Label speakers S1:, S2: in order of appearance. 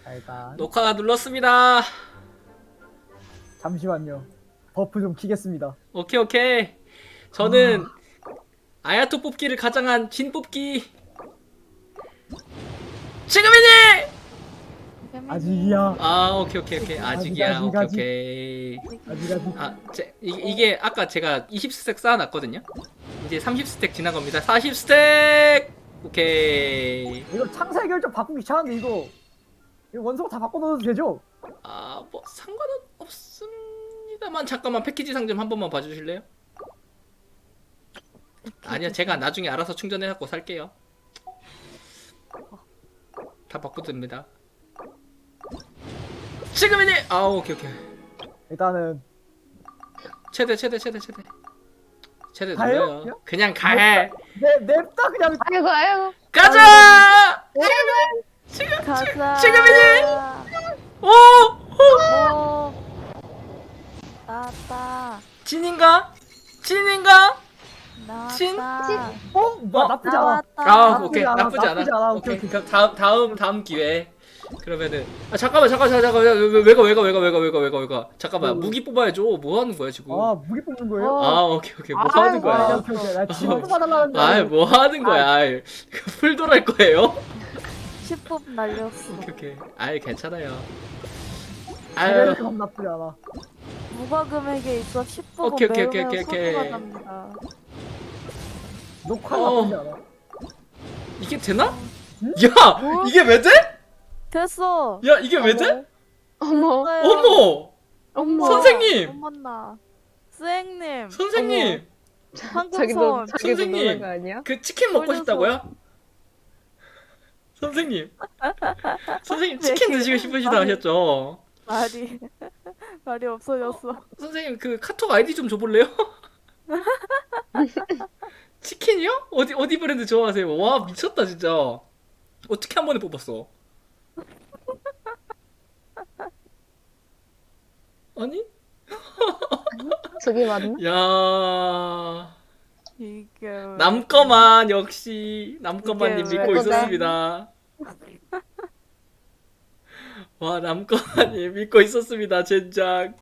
S1: 자, 일단
S2: 녹화 눌렀습니다.
S1: 잠시만요. 버프 좀 키겠습니다.
S2: 오케이 오케이. 저는 아야토 뽑기를 가장한 진 뽑기 지금이니.
S1: 아직이야.
S2: 아 오케이 오케이 오케이. 아직이야.
S1: 아직,
S2: 오케이
S1: 아직.
S2: 오케이.
S1: 아직.
S2: 이게 아까 제가 20스택 쌓아놨거든요. 이제 30스택 지난 겁니다. 40스택. 오케이.
S1: 이거 창사의 결정 바꾸기 귀찮은데 이거 원소 다 바꿔놓어도 되죠?
S2: 아 뭐 상관은 없습니다만 잠깐만 패키지 상점 한 번만 봐주실래요? 아니요 제가 나중에 알아서 충전해갖고 살게요. 다 바꿔도 됩니다. 지금이니. 아 오케이 오케이.
S1: 일단은
S2: 최대
S1: 가요?
S2: 눌러요. 그냥 가.
S1: 냅다 그냥.
S3: 아이고 아이고
S2: 가자.
S3: 가자.
S2: 지금이니. 오.
S3: 오 나왔다
S2: 진인가? 진?
S3: 나왔다
S1: 나쁘지 않아.
S3: 나왔다.
S2: 아 오케이
S1: 않아,
S2: 나쁘지 않아.
S1: 나쁘지 않아.
S2: 오케이
S1: 오케이.
S2: 그럼 다음 기회. 그러면은 잠깐만 왜가 잠깐만 무기 뽑아야죠. 뭐 하는 거야 지금?
S1: 무기 뽑는 거예요?
S2: 오케이 뭐 하는 거야?
S1: 오케이. 나 지금 뽑아달라는데.
S2: 뭐 하는 거야? 풀 돌할 거예요?
S3: 10분 날렸어.
S2: 오케이. 괜찮아요.
S1: 이렇게 나쁘지 않아.
S3: 무과 금액에 있어 10분
S2: 오케이.
S3: 매우 소중하답니다.
S1: 녹화
S2: 어.
S1: 나쁘지 않아.
S2: 이게 되나?
S1: 응?
S2: 야
S3: 뭐?
S2: 이게 왜 돼?
S3: 됐어.
S2: 야 이게 왜 돼?
S3: 어머
S2: 어머
S3: 어머
S2: 선생님!
S3: 어머나 스행님
S2: 선생님
S3: 황금손
S2: 선생님!
S3: 놀란 거 아니야?
S2: 그 치킨 먹고
S3: 올려서.
S2: 싶다고요? 선생님
S3: 네.
S2: 치킨 드시고 싶으시다 하셨죠?
S3: 말이 없어졌어.
S2: 선생님 그 카톡 아이디 좀 줘볼래요? 치킨이요? 어디 브랜드 좋아하세요? 와 미쳤다 진짜. 어떻게 한 번에 뽑았어? 아니?
S3: 저기 맞나?
S2: 야
S3: 이게
S2: 남꺼만 역시 남꺼만님
S3: 이게
S2: 믿고
S3: 왜
S2: 있었습니다. 와 남꺼만님 믿고 있었습니다 젠장.